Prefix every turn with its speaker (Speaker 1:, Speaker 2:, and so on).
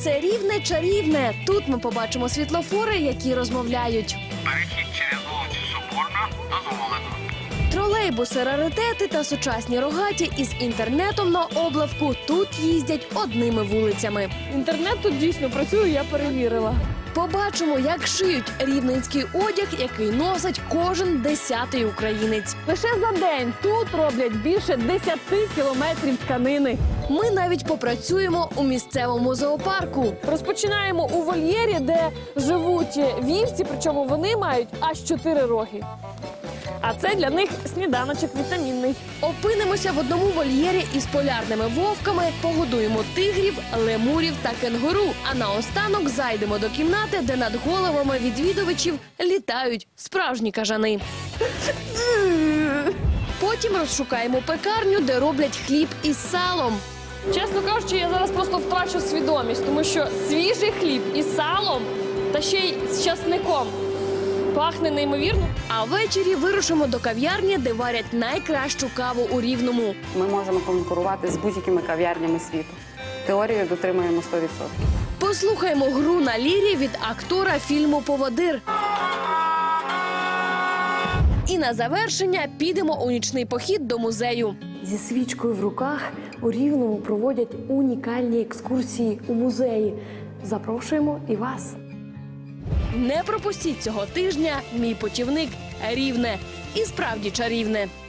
Speaker 1: Це Рівне чарівне. Тут ми побачимо світлофори, які розмовляють.
Speaker 2: Перехід через вулицю Соборна дозволено.
Speaker 1: Тролейбуси, раритети та сучасні рогаті із інтернетом на облавку тут їздять одними вулицями.
Speaker 3: Інтернет тут дійсно працює, я перевірила.
Speaker 1: Побачимо, як шиють рівненський одяг, який носить кожен 10-й українець.
Speaker 3: Лише за день тут роблять більше 10 кілометрів тканини.
Speaker 1: Ми навіть попрацюємо у місцевому зоопарку.
Speaker 3: Розпочинаємо у вольєрі, де живуть вівці, причому вони мають аж 4 роги. А це для них сніданочок вітамінний.
Speaker 1: Опинимося в одному вольєрі із полярними вовками, погодуємо тигрів, лемурів та кенгуру. А наостанок зайдемо до кімнати, де над головами відвідувачів літають справжні кажани. Потім розшукаємо пекарню, де роблять хліб із салом.
Speaker 3: Чесно кажучи, я зараз просто втрачу свідомість, тому що свіжий хліб із салом та ще й з часником пахне неймовірно.
Speaker 1: А ввечері вирушимо до кав'ярні, де варять найкращу каву у Рівному.
Speaker 4: Ми можемо конкурувати з будь-якими кав'ярнями світу. Теорію дотримуємо 100%.
Speaker 1: Послухаємо гру на лірі від актора фільму «Поводир». І на завершення підемо у нічний похід до музею.
Speaker 3: Зі свічкою в руках у Рівному проводять унікальні екскурсії у музеї. Запрошуємо і вас.
Speaker 1: Не пропустіть цього тижня мій путівник Рівне. І справді чарівне.